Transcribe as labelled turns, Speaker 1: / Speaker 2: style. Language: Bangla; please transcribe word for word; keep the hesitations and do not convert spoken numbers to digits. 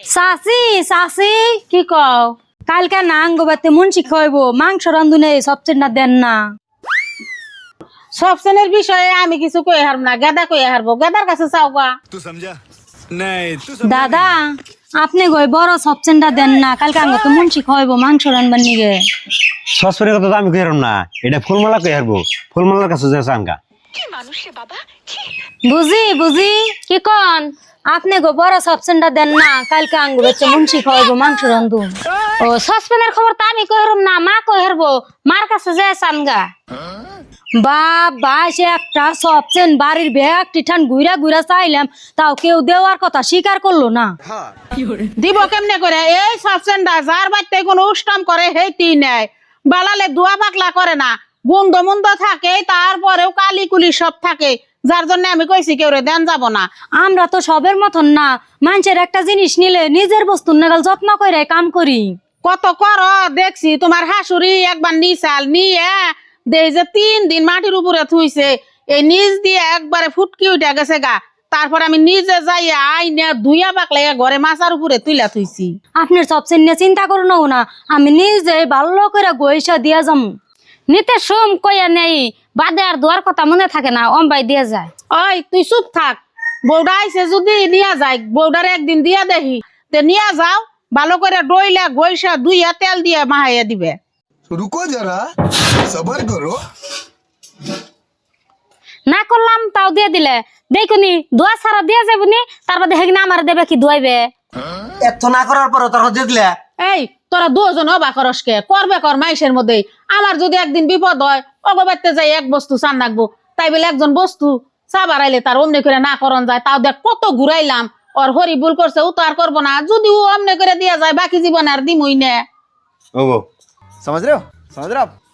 Speaker 1: চাচি চাচি কি কও কালকে নাঙ্গ বাতে মুন্সি খাইবো মাংস রান্ধুনে সবচেয়ে না দেন না
Speaker 2: সবচেনের বিষয়ে আমি কিছু কই হারব না গাদা কই হারবো গাদার কাছে চাও গা
Speaker 3: तू समझा नहीं तू
Speaker 1: দাদা আপনি গই বড় সবচেনটা দেন না কালকে আঙ্গ তো মুন্সি খাইবো মাংস রান্ধবার নিগে
Speaker 4: সসপেনের কথা তো আমি কই হারম না এটা ফুলমালা কই হারবো ফুলমালার কাছে যাচ্ছে আনকা
Speaker 1: বুঝি বুঝি কি কন আপনি গো বড় সবচেনটা দেন না কালকে আঙ্গ বাচ্চা মুন্সি খাইবো মাংস রান্ধু
Speaker 5: ও সসপেনের খবর তো আমি কইরম না মা কইরবো মার কাছে যায় সানগা
Speaker 1: বাবা সে একটা সবচেন বাড়ির ব্যাগ টিঠান ঘুরা ঘুরা চাইলাম তাও কেউ দেওয়ার কথা স্বীকার করলো না
Speaker 2: দিব কেমনে করে এই সবচেনটা যার বাড়িতে কোনো উষ্টম করে হেইতি নেয় বালালে দুয়া পাকলা করে না গুন্দ মুন্দ থাকে তারপরেও কালি কুলি সব থাকে যার জন্য আমি কইছি কেউ রে দেন যাব না।
Speaker 1: আমরা তো সবের মতন না মানুষের একটা জিনিস নিলে নিজের বস্তুর নাগাল যত্ন করে কাম করি
Speaker 2: কত কর দেখছি তোমার হাসুরি একবার নিচাল নিয়ে দেই যে তিন দিন মাটির উপরে থুইছে এই নিচ দিয়ে একবারে ফুটকি উঠে গেছে গা তারপর আমি নিজে যাই আইনে ধুইয়া পাকলে ঘরে মাছার উপরে তুইলা থুইছি।
Speaker 1: আপনার সবচেয়ে নিয়ে চিন্তা করো না আমি নিজে ভালো করে গইসা দিয়া যাম
Speaker 5: নিতে সোম কইয়া নেই বাদে আর দুয়ার কথা মনে থাকে না অম্বাই দিয়ে যায়।
Speaker 2: ওই তুই চুপ থাক বৌডা আইছে যদি নিয়া যায় বৌডারে একদিন দিয়া দেখি তে নিয়া যাও ভালো করে ডইলা গইসা দুইয়া তেল দিয়ে মাহাইয়া দিবে।
Speaker 3: रुको जरा सबर करो
Speaker 5: না করলাম তাও দিয়ে দিলে দেখুনি দোয়া সারা দিয়ে যাবনি তার বাদে হেগনা আমার দেবে কি দুয়াইবে
Speaker 6: এত না করার পর তোর দিয়ে দিলে
Speaker 2: এই তোরা দুজন অবা করসকে করবে কর মাইসের মধ্যে আমার যদি একদিন বিপদ হয় অগবাইতে যাই এক বস্তু চান রাখবো তাই বলে একজন বস্তু চা বাড়াইলে তার অমনি করে না করন যায় তাও দেখ কত ঘুরাইলাম ওর হরি ভুল করছে ও তো আর করবো না যদি ও অমনি করে দিয়া যায় বাকি জীবন আর দিমই না।
Speaker 6: ও গো समझ रहे हो समझ रहे हो आप